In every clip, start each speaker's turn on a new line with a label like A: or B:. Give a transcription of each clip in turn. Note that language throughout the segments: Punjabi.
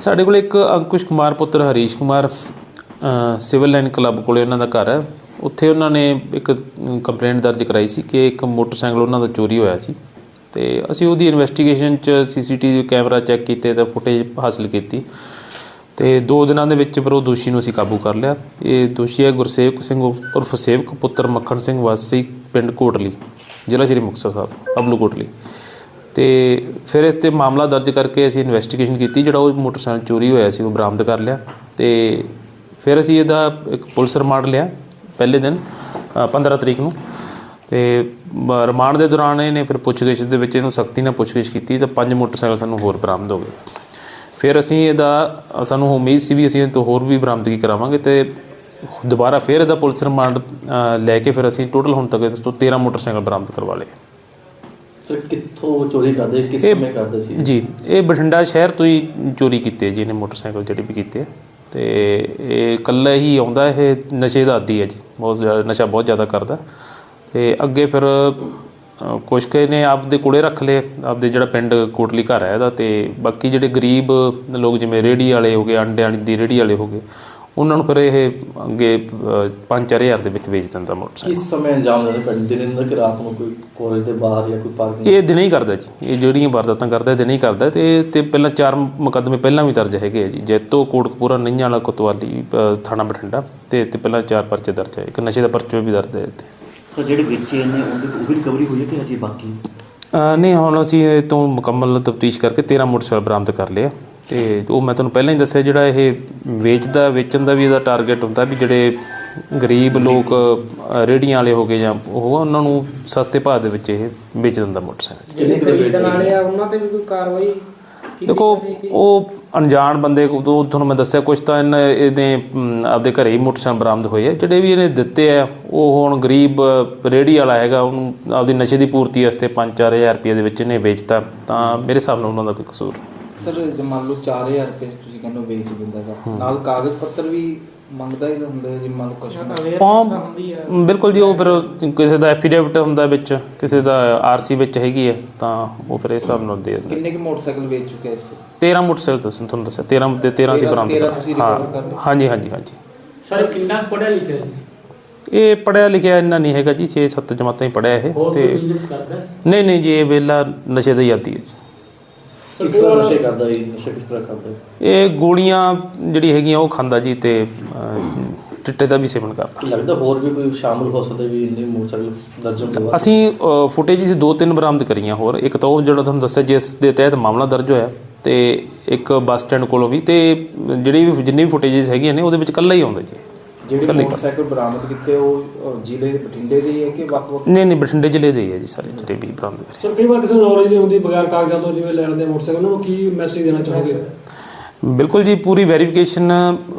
A: ਸਾਡੇ ਕੋਲ ਇੱਕ ਅੰਕੁਸ਼ ਕੁਮਾਰ ਪੁੱਤਰ Harish Kumar civil line club ਕੋਲੇ ਉਹਨਾਂ ਦਾ ਘਰ ਹੈ। ਉੱਥੇ ਉਹਨਾਂ ਨੇ ਇੱਕ ਕੰਪਲੇਂਟ ਦਰਜ ਕਰਾਈ ਸੀ ਕਿ ਇੱਕ ਮੋਟਰਸਾਈਕਲ ਉਹਨਾਂ ਦਾ ਚੋਰੀ ਹੋਇਆ ਸੀ ਅਤੇ ਅਸੀਂ ਉਹਦੀ ਇਨਵੈਸਟੀਗੇਸ਼ਨ 'ਚ CCTV ਕੈਮਰਾ ਚੈੱਕ ਕੀਤੇ ਤਾਂ ਫੁਟੇਜ ਹਾਸਿਲ ਕੀਤੀ ਅਤੇ 2 ਦਿਨਾਂ ਦੇ ਵਿੱਚ ਫਿਰ ਉਹ ਦੋਸ਼ੀ ਨੂੰ ਅਸੀਂ ਕਾਬੂ ਕਰ ਲਿਆ। ਇਹ ਦੋਸ਼ੀ ਹੈ ਗੁਰਸੇਵਕ ਸਿੰਘ ਉਰਫ ਸੇਵਕ ਪੁੱਤਰ ਮੱਖਣ ਸਿੰਘ ਵਾਸੀ ਪਿੰਡ ਕੋਟਲੀ, ਜ਼ਿਲ੍ਹਾ ਸ਼੍ਰੀ ਮੁਕਤਸਰ ਸਾਹਿਬ, ਅਬਲੂ ਕੋਟਲੀ। ਅਤੇ ਫਿਰ ਇਸ 'ਤੇ ਮਾਮਲਾ ਦਰਜ ਕਰਕੇ ਅਸੀਂ ਇਨਵੈਸਟੀਗੇਸ਼ਨ ਕੀਤੀ। ਜਿਹੜਾ ਉਹ ਮੋਟਰਸਾਈਕਲ ਚੋਰੀ ਹੋਇਆ ਸੀ ਉਹ ਬਰਾਮਦ ਕਰ ਲਿਆ ਅਤੇ ਫਿਰ ਅਸੀਂ ਇਹਦਾ ਇੱਕ ਪੁਲਿਸ ਰਿਮਾਂਡ ਲਿਆ ਪਹਿਲੇ ਦਿਨ 15 ਤਰੀਕ ਨੂੰ। ਅਤੇ ਰਿਮਾਂਡ ਦੇ ਦੌਰਾਨ ਇਹਨੇ ਫਿਰ ਪੁੱਛਗਿੱਛ ਦੇ ਵਿੱਚ ਇਹਨੂੰ ਸਖਤੀ ਨਾਲ ਪੁੱਛਗਿੱਛ ਕੀਤੀ ਤਾਂ 5 ਮੋਟਰਸਾਈਕਲ ਸਾਨੂੰ ਹੋਰ ਬਰਾਮਦ ਹੋ ਗਏ। ਫਿਰ ਅਸੀਂ ਸਾਨੂੰ ਉਮੀਦ ਸੀ ਵੀ ਅਸੀਂ ਇਹ ਤੋਂ ਹੋਰ ਵੀ ਬਰਾਮਦਗੀ ਕਰਾਵਾਂਗੇ ਅਤੇ ਦੁਬਾਰਾ ਫਿਰ ਇਹਦਾ ਪੁਲਿਸ ਰਿਮਾਂਡ ਲੈ ਕੇ ਫਿਰ ਅਸੀਂ ਟੋਟਲ ਹੁਣ ਤੱਕ ਇਸ ਤੋਂ 13 ਮੋਟਰਸਾਈਕਲ ਬਰਾਮਦ ਕਰਵਾ ਲਏ।
B: ਸਰ ਕਿੱਥੋਂ ਚੋਰੀ ਕਰਦੇ, ਕਿਸ ਸਮੇਂ ਕਰਦੇ ਸੀ
A: ਜੀ? ਇਹ ਬਠਿੰਡਾ ਸ਼ਹਿਰ ਤੋਂ ਹੀ ਚੋਰੀ ਕੀਤੇ ਜੀ ਇਹਨੇ ਮੋਟਰਸਾਈਕਲ ਜਿਹੜੇ ਵੀ ਕੀਤੇ। ਅਤੇ ਇਹ ਇਕੱਲਾ ਹੀ ਆਉਂਦਾ, ਇਹ ਨਸ਼ੇ ਦਾ ਆਦੀ ਹੈ ਜੀ, ਬਹੁਤ ਜ਼ਿਆਦਾ ਨਸ਼ਾ ਬਹੁਤ ਜ਼ਿਆਦਾ ਕਰਦਾ। ਅਤੇ ਅੱਗੇ ਫਿਰ ਕੁਛ ਕੁ ਨੇ ਆਪਦੇ ਕੋਲੇ ਰੱਖ ਲਏ, ਆਪਦੇ ਜਿਹੜਾ ਪਿੰਡ ਕੋਟਲੀ ਘਰ ਹੈ ਇਹਦਾ। ਅਤੇ ਬਾਕੀ ਜਿਹੜੇ ਗਰੀਬ ਲੋਕ ਜਿਵੇਂ ਰੇਹੜੀ ਵਾਲੇ ਹੋ ਗਏ, ਅੰਡਿਆਂ ਦੀ ਰੇਹੜੀ ਵਾਲੇ ਹੋ ਗਏ, ਉਹਨਾਂ ਨੂੰ ਫਿਰ ਇਹ ਅੱਗੇ 5-4 ਹਜ਼ਾਰ ਦੇ ਵਿੱਚ ਵੇਚ ਦਿੰਦਾ ਮੋਟਰਸਾਈਕਲ।
B: ਕਿਸ ਸਮੇਂ ਅੰਜਾਮ ਦਿੰਦੇ ਪਿੰਡ ਦਿਨੇ ਦਿਨ ਕਿ ਰਾਤ ਨੂੰ, ਕੋਈ ਕਾਲਜ ਦੇ ਬਾਹਰ ਜਾਂ ਕੋਈ ਪਾਰਕ?
A: ਇਹ ਦਿਨੇ ਹੀ ਕਰਦਾ ਜੀ, ਇਹ ਜਿਹੜੀਆਂ ਵਾਰਦਾਤਾਂ ਕਰਦਾ ਦਿਨੇ ਹੀ ਕਰਦਾ। ਅਤੇ ਪਹਿਲਾਂ 4 ਮੁਕੱਦਮੇ ਪਹਿਲਾਂ ਵੀ ਦਰਜ ਹੈਗੇ ਆ ਜੀ, ਜੈਤੋ, ਕੋਟਕਪੂਰਾ, ਨਈਆਂ ਵਾਲਾ, ਕੋਤਵਾਲੀ ਥਾਣਾ ਬਠਿੰਡਾ ਅਤੇ ਪਹਿਲਾਂ 4 ਪਰਚੇ ਦਰਜ ਹੈ। ਇੱਕ ਨਸ਼ੇ ਦਾ ਪਰਚਾ ਵੀ ਦਰਜ ਹੈ ਇੱਥੇ।
C: ਜਿਹੜੇ ਵੇਚੇ ਨੇ ਉਹ ਵੀ ਰਿਕਵਰੀ ਹੋਈ ਹੈ ਕਿ ਅਜੇ ਬਾਕੀ?
A: ਨਹੀਂ, ਹੁਣ ਅਸੀਂ ਇਹ ਤੋਂ ਮੁਕੰਮਲ ਤਫਤੀਸ਼ ਕਰਕੇ 13 ਮੋਟਰਸਾਈਕਲ ਬਰਾਮਦ ਕਰ ਲਏ। ਅਤੇ ਉਹ ਮੈਂ ਤੁਹਾਨੂੰ ਪਹਿਲਾਂ ਹੀ ਦੱਸਿਆ, ਜਿਹੜਾ ਇਹ ਵੇਚਣ ਦਾ ਵੀ ਇਹਦਾ ਟਾਰਗੇਟ ਹੁੰਦਾ ਵੀ ਜਿਹੜੇ ਗਰੀਬ ਲੋਕ ਰੇਹੜੀਆਂ ਵਾਲੇ ਹੋ ਗਏ ਜਾਂ ਉਹਨਾਂ ਨੂੰ ਸਸਤੇ ਭਾਅ ਦੇ ਵਿੱਚ ਇਹ ਵੇਚ ਦਿੰਦਾ ਮੋਟਰਸਾਈਕਲ।
D: ਜਿਹੜੇ ਖਰੀਦਣ ਵਾਲੇ ਆ ਉਹਨਾਂ 'ਤੇ ਵੀ ਕੋਈ ਕਾਰਵਾਈ?
A: ਦੇਖੋ, ਉਹ ਅਣਜਾਣ ਬੰਦੇ, ਉਹ ਤੁਹਾਨੂੰ ਮੈਂ ਦੱਸਿਆ ਕੁਛ ਤਾਂ ਇਹਨੇ ਆਪਦੇ ਘਰੇ ਹੀ ਮੋਟਰਸਾਈਕਲ ਬਰਾਮਦ ਹੋਏ ਆ। ਜਿਹੜੇ ਵੀ ਇਹਨੇ ਦਿੱਤੇ ਆ ਉਹ ਹੁਣ ਗਰੀਬ ਰੇਹੜੀ ਵਾਲਾ ਹੈਗਾ, ਉਹਨੂੰ ਆਪਦੀ ਨਸ਼ੇ ਦੀ ਪੂਰਤੀ ਵਾਸਤੇ 5-4 ਹਜ਼ਾਰ ਰੁਪਏ ਦੇ ਵਿੱਚ ਇਹਨੇ ਵੇਚਤਾ, ਤਾਂ ਮੇਰੇ ਹਿਸਾਬ ਨਾਲ ਉਹਨਾਂ ਦਾ ਕੋਈ ਕਸੂਰ।
E: ਸਰ ਜੇ ਮੰਨ ਲਓ 4000 ਰੁਪਏ ਤੁਸੀਂ ਕਹਿੰਦੇ ਹੋ ਵੇਚ ਦਿੰਦਾ ਗਾ, ਨਾਲ ਕਾਗਜ਼ ਪੱਤਰ ਵੀ ਮੰਗਦਾ ਹੀ ਹੁੰਦਾ ਜੀ? ਮੰਨ ਲਓ ਕਸਟਮਰ
A: ਬਿਲਕੁਲ ਜੀ, ਉਹ ਫਿਰ ਕਿਸੇ ਦਾ ਐਫੀਡੇਵਿਟ ਹੁੰਦਾ ਵਿੱਚ, ਕਿਸੇ ਦਾ RC ਵਿੱਚ ਹੈਗੀ ਹੈ, ਤਾਂ ਉਹ ਫਿਰ ਇਸ ਹਿਸਾਬ ਨਾਲ ਦੇ ਦਿੰਦਾ।
E: ਕਿੰਨੇ ਕੁ ਮੋਟਰਸਾਈਕਲ ਵੇਚ ਚੁੱਕੇ ਇਸ?
A: 13 ਮੋਟਰਸਾਈਕਲ ਤੁਹਾਨੂੰ ਦੱਸਿਆ, 13 ਦੇ 13 ਅਸੀਂ ਬਰਾਮਦ
E: ਤੁਸੀਂ ਰਿਕਵਰ ਕਰ ਲਏ?
A: ਹਾਂਜੀ।
D: ਸਰ ਕਿੰਨਾ ਪੜ੍ਹਿਆ ਲਿਖਿਆ ਜੀ?
A: ਇਹ ਪੜ੍ਹਿਆ ਲਿਖਿਆ ਇੰਨਾ ਨਹੀਂ ਹੈਗਾ ਜੀ, 6-7 ਜਮਾਤਾਂ ਹੀ ਪੜ੍ਹਿਆ ਇਹ। ਅਤੇ ਨਹੀਂ ਜੀ, ਇਹ ਵਿਹਲਾ ਨਸ਼ੇ ਦਾ ਹੀ ਆਦੀ ਹੈ ਜੀ।
B: ਕਿਸ ਤਰ੍ਹਾਂ ਨਸ਼ੇ ਕਰਦਾ ਜੀ? ਨਸ਼ੇ ਕਿਸ ਤਰ੍ਹਾਂ ਕਰਦਾ?
A: ਇਹ ਗੋਲੀਆਂ ਜਿਹੜੀ ਹੈਗੀਆਂ ਉਹ ਖਾਂਦਾ ਜੀ, ਅਤੇ ਚਿੱਟੇ ਦਾ ਵੀ ਸੇਵਨ ਕਰਦਾ।
B: ਲੱਗਦਾ ਹੋਰ ਵੀ ਕੋਈ ਸ਼ਾਮਲ ਹੋ ਸਕਦੇ ਵੀ ਇੰਨੇ ਮੋਟਰਸਾਈਕਲ ਦਰਜਨ ਦੇ ਬਾਅਦ?
A: ਅਸੀਂ ਫੁਟੇਜ 2-3 ਬਰਾਮਦ ਕਰੀਆਂ ਹੋਰ। ਇੱਕ ਤਾਂ ਉਹ ਜਿਹੜਾ ਤੁਹਾਨੂੰ ਦੱਸਿਆ ਜਿਸ ਦੇ ਤਹਿਤ ਮਾਮਲਾ ਦਰਜ ਹੋਇਆ, ਅਤੇ ਇੱਕ ਬੱਸ ਸਟੈਂਡ ਕੋਲੋਂ ਵੀ। ਅਤੇ ਜਿੰਨੀ ਵੀ ਫੁਟੇਜਸ ਹੈਗੀਆਂ ਨੇ ਉਹਦੇ ਵਿੱਚ ਇਕੱਲਾ ਹੀ ਆਉਂਦਾ ਜੀ।
E: ਜਿਹੜੇ ਮੋਟਰਸਾਈਕਲ ਬਰਾਮਦ ਕੀਤੇ ਉਹ ਜ਼ਿਲ੍ਹੇ ਦੇ ਬਠਿੰਡੇ ਦੇ ਹੈ ਕਿ ਵੱਖ-ਵੱਖ?
A: ਨਹੀਂ, ਬਠਿੰਡੇ ਜ਼ਿਲ੍ਹੇ ਦੇ ਹੀ ਹੈ ਜੀ ਸਾਰੇ ਜਿਹੜੇ ਵੀ ਬਰਾਮਦ ਕਰੇ।
F: ਸਰ ਕਈ ਵਾਰ ਕਿਸੇ ਨੂੰ ਨੌਲੇਜ ਨਹੀਂ ਹੁੰਦੀ ਬਗੈਰ ਕਾਗਜ਼ਾਂ ਤੋਂ ਜਿਵੇਂ ਲੈਣ ਦੇ ਮੋਟਰਸਾਈਕਲ, ਉਹਨਾਂ ਨੂੰ ਕੀ ਮੈਸੇਜ ਦੇਣਾ ਚਾਹੋਗੇ?
A: ਬਿਲਕੁਲ ਜੀ, ਪੂਰੀ ਵੈਰੀਫਿਕੇਸ਼ਨ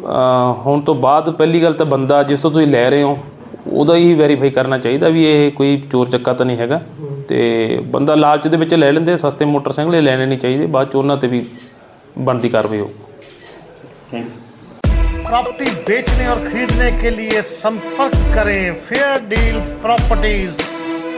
A: ਹੋਣ ਤੋਂ ਬਾਅਦ ਪਹਿਲੀ ਗੱਲ ਤਾਂ ਬੰਦਾ ਜਿਸ ਤੋਂ ਤੁਸੀਂ ਲੈ ਰਹੇ ਹੋ ਉਹਦਾ ਹੀ ਵੈਰੀਫਾਈ ਕਰਨਾ ਚਾਹੀਦਾ ਵੀ ਇਹ ਕੋਈ ਚੋਰ ਚੱਕਾ ਤਾਂ ਨਹੀਂ ਹੈਗਾ। ਅਤੇ ਬੰਦਾ ਲਾਲਚ ਦੇ ਵਿੱਚ ਲੈ ਲੈਂਦੇ ਸਸਤੇ ਮੋਟਰਸਾਈਕਲ, ਇਹ ਲੈਣੇ ਨਹੀਂ ਚਾਹੀਦੇ। ਬਾਅਦ 'ਚ ਉਹਨਾਂ 'ਤੇ ਵੀ ਬਣਦੀ ਕਾਰਵਾਈ ਹੋ।
C: Thank you.
G: प्रॉपर्टी बेचने और खरीदने के लिए संपर्क करें फेयर डील प्रॉपर्टीज।